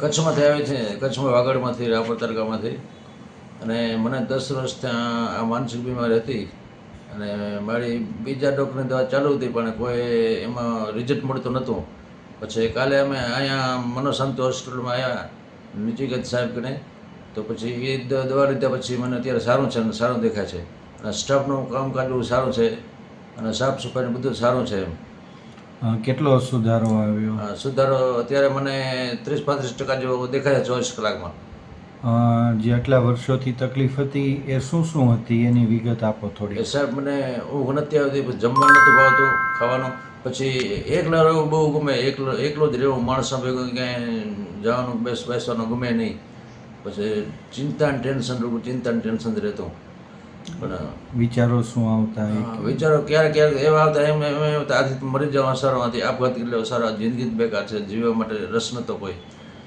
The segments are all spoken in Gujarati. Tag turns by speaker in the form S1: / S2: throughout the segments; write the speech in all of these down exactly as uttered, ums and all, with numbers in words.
S1: કચ્છમાંથી આવે છે, કચ્છમાં વાગડમાંથી, રાપર તાલુકામાંથી. અને મને દસ વર્ષ ત્યાં આ માનસિક બીમારી હતી અને મારી બીજા ડૉક્ટરની દવા ચાલુ હતી પણ કોઈ એમાં રિઝલ્ટ મળતું નહોતું. પછી કાલે અમે અહીંયા મનોશાંતિ હોસ્પિટલમાં આવ્યા નિચિકેત સાહેબને, તો પછી એ દવા લીધા પછી મને અત્યારે સારું છે અને સારું દેખાય છે અને સ્ટાફનું કામકાજ બહુ સારું છે અને સાફ સફાઈ બધું સારું છે.
S2: અ, કેટલો સુધારો આવ્યો?
S1: અ, સુધારો અત્યારે મને ત્રીસ પાંત્રીસ ટકા જેવો દેખાય છે ચોવીસ કલાકમાં.
S2: અ, જે આટલા વર્ષોથી તકલીફ હતી એ શું શું હતી એની વિગત આપો
S1: એ
S2: થોડી.
S1: સાહેબ મને ઊંઘ નથી આવતી, પછી જમવાનું નહોતું ભાવતું, ખાવાનું, પછી એકલા રહેવું બહુ ગમે, એકલો એકલો જ રહેવું, માણસો ભેગું ક્યાંય જવાનું બેસ બેસવાનું ગમે નહીં. પછી ચિંતા ને ટેન્શન રહેવું, ચિંતા ને ટેન્શન જ રહેતું. પણ
S2: વિચારો શું આવતા? એ
S1: હા, વિચારો ક્યારેક ક્યારેક એવા આવતા એમ એમ એમ આવતા આથી મરી જવા સારો, આથી આપઘાત કરી લેવો સારો, જિંદગી જ બેકાર છે, જીવવા માટે રસ નહોતો કોઈ.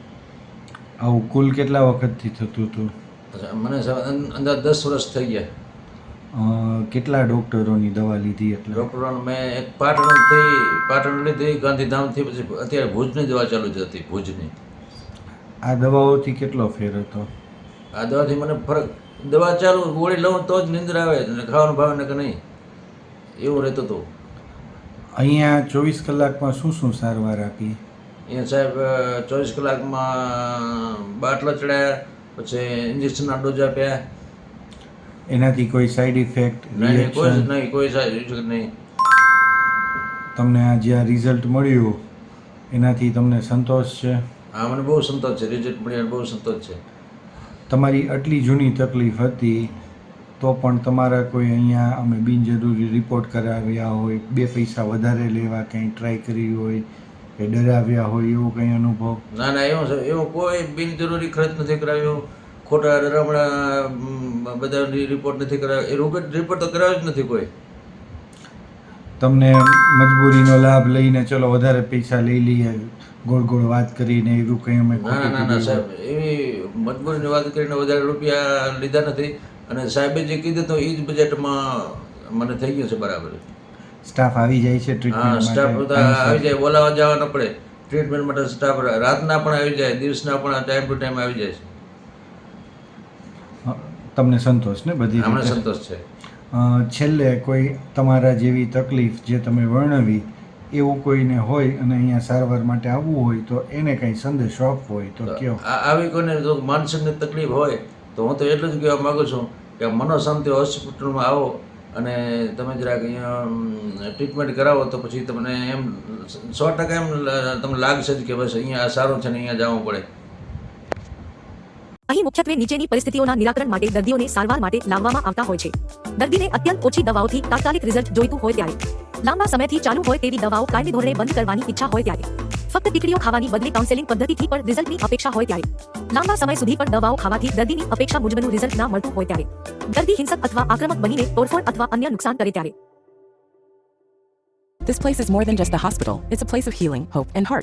S2: આવું કુલ કેટલા વખતથી થતું હતું?
S1: પછી મને સાહેબ અં- અંદાજ દસ વર્ષ થઈ ગયા.
S2: અ, કેટલા ડૉક્ટરોની દવા લીધી? એટલે
S1: ડૉક્ટરોને મેં એક પાટણથી પાટણ લીધી, ગાંધીધામથી, પછી અત્યારે ભુજની દવા ચાલુ જ હતી, ભુજની.
S2: આ દવાઓથી કેટલો ફેર હતો?
S1: આ દવાથી મને ફરક, દવા ચાલુ ગોળી લઉં તો જ નિંદ્રા આવે અને ખાવાનું ભાવે ને કે નહીં, એવું રહેતું હતું.
S2: અહીંયા ચોવીસ કલાકમાં શું શું સારવાર આપી?
S1: અહીંયા સાહેબ ચોવીસ કલાકમાં બાટલા ચડાયા, પછી ઇન્જેક્શનના ડોઝ આપ્યા.
S2: એનાથી કોઈ સાઈડ ઇફેક્ટ,
S1: નહીં નહીં, કોઈ જ
S2: રિએક્શન?
S1: નહીં, કોઈ સાઈડ નહીં.
S2: તમને આ જે આ રિઝલ્ટ મળ્યું એનાથી તમને સંતોષ છે?
S1: હા, મને બહુ સંતોષ છે, રિઝલ્ટ મળ્યા બહુ સંતોષ છે.
S2: તમારી આટલી જૂની તકલીફ હતી તો પણ તમારા કોઈ અહીંયા અમે બિનજરૂરી રિપોર્ટ કરાવ્યા હોય, બે પૈસા વધારે લેવા કંઈ ટ્રાય કરી હોય કે ડરાવ્યા હોય એવો કંઈ અનુભવ?
S1: ના ના, એવું છે, એવું કોઈ બિનજરૂરી ખર્ચ નથી કરાવ્યો, ખોટા ડરામણા બધા રિપોર્ટ નથી કરાવ્યો, એ રોકેટ રિપોર્ટ તો કરાવ્યો જ નથી કોઈ.
S2: તમને મજબૂરીનો લાભ લઈને ચલો વધારે પૈસા લઈ લઈએ ગોળ ગોળ વાત કરીને એવું કંઈ અમે
S1: ના ના ના ના સાહેબ, એવી મજબૂરીની વાત કરીને વધારે રૂપિયા લીધા નથી અને સાહેબે જે કીધું તો એ જ બજેટમાં મને થઈ ગયું છે બરાબર.
S2: સ્ટાફ આવી જાય છે
S1: હા,
S2: ટ્રીટમેન્ટ
S1: સ્ટાફ
S2: માટે?
S1: બધા આવી જાય, બોલાવવા જવા ન પડે, ટ્રીટમેન્ટ માટે સ્ટાફ રાતના પણ આવી જાય, દિવસના પણ ટાઈમ ટુ ટાઈમ આવી જાય છે.
S2: અ, તમને સંતોષ ને બધી
S1: અમને
S2: રીતે?
S1: સંતોષ છે.
S2: અ, છેલ્લે કોઈ તમારા જેવી તકલીફ જે તમે વર્ણવી એવું કોઈને હોય અને અહીંયા સારવાર માટે આવવું હોય તો એને કંઈ સંદેશો આપવો હોય તો કયો?
S1: આ- આવી કોઈને જો માનસિકની તકલીફ હોય તો હું તો એટલું જ કહેવા માગું છું કે મનોશાંતિ હોસ્પિટલમાં આવો અને તમે જરાક અહીંયા ટ્રીટમેન્ટ કરાવો તો પછી તમને એમ સો ટકા એમ લ- તમને લાગશે જ કે બસ અહીંયા આ સારું છે ને અહીંયા જવું પડે.
S3: અહીં મુખ્યત્વે નીચેની પરિસ્થિતિઓના નિરાકરણ માટે દર્દીઓને સારવાર માટે લાવવામાં આવતા હોય છે. દર્દીને અત્યંત ઓછી દવાઓથી તાત્કાલિક રિઝલ્ટ જોઈતું હોય ત્યારે, લાંબા સમયથી ચાલુ હોય તેવી દવાઓ કાયમી ધોરણે બંધ કરવાની ઈચ્છા હોય ત્યારે, ફક્ત ટીકડીઓ ખાવાની બદલે કાઉન્સેલિંગ પદ્ધતિથી પણ રિઝલ્ટની અપેક્ષા હોય ત્યારે, લાંબા સમય સુધી પણ દવાઓ ખાવાથી દર્દીની અપેક્ષા મુજબનું રિઝલ્ટ ના મળતું હોય ત્યારે, દર્દી હિંસક અથવા આક્રમક બનીને તોડફોડ અથવા અન્ય નુકસાન કરે ત્યારે.
S4: This place is more than just a hospital. It's a place of healing, hope, and heart.